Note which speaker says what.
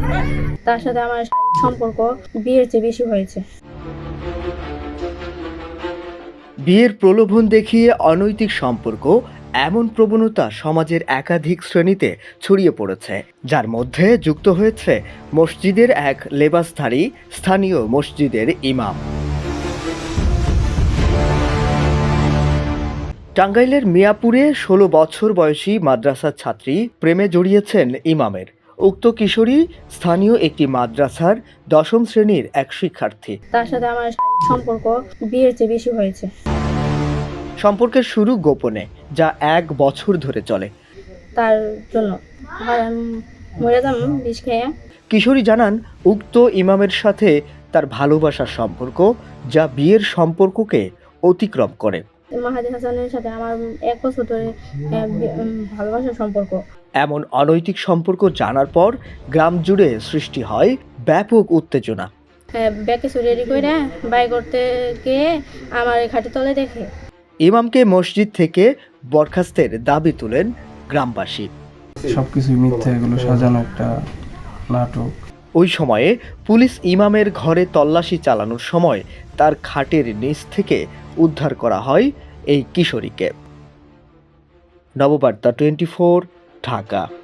Speaker 1: তার সাথে আমার শারীরিক সম্পর্ক বিয়ের চেয়ে বেশি হয়েছে।
Speaker 2: বিয়ের প্রলোভন দেখিয়ে অনৈতিক সম্পর্ক, এমন প্রবণতা সমাজের একাধিক শ্রেণীতে ছড়িয়ে পড়েছে, যার মধ্যে যুক্ত হয়েছে মসজিদের এক লেবাসধারী স্থানীয় মসজিদের ইমাম। টাঙ্গাইলের মিয়াপুরে ১৬ বছর বয়সী মাদ্রাসার ছাত্রী প্রেমে জড়িয়েছেন ইমামের। উক্ত কিশোরী স্থানীয় একটি মাদ্রাসার ১০ম শ্রেণীর এক শিক্ষার্থী।
Speaker 1: তার সাথে আমার শারীরিক সম্পর্ক বিয়ের চেয়ে বেশি হয়েছে।
Speaker 2: সম্পর্কের শুরু গোপনে, যা ১ বছর ধরে চলে।
Speaker 1: তার জন্য আমি মরে যাম বিষ খেয়ে।
Speaker 2: কিশোরী জানান, উক্ত ইমামের সাথে তার ভালোবাসার সম্পর্ক, যা বিয়ের সম্পর্ককে অতিক্রম করে।
Speaker 1: মাহাদি হাসানের সাথে আমার ১ বছর ধরে ভালোবাসার সম্পর্ক।
Speaker 2: এমন অনৈতিক সম্পর্ক জানার পর গ্রাম জুড়ে সৃষ্টি হয় ব্যাপক উত্তেজনা।
Speaker 1: ব্যাকে রেডি করে বাই করতে গিয়ে আমার খাটের তলে দেখে।
Speaker 2: ইমামকে মসজিদ থেকে বরখাস্তের দাবি তুলেন গ্রামবাসী।
Speaker 3: সবকিছুই মিথ্যা, এগুলো সাজানো একটা নাটক।
Speaker 2: ওই সময়ে পুলিশ ইমামের ঘরে তল্লাশি চালানোর সময় তার খাটের নিচ থেকে উদ্ধার করা হয় এই কিশোরীকে। নববার্তা 24, ঢাকা।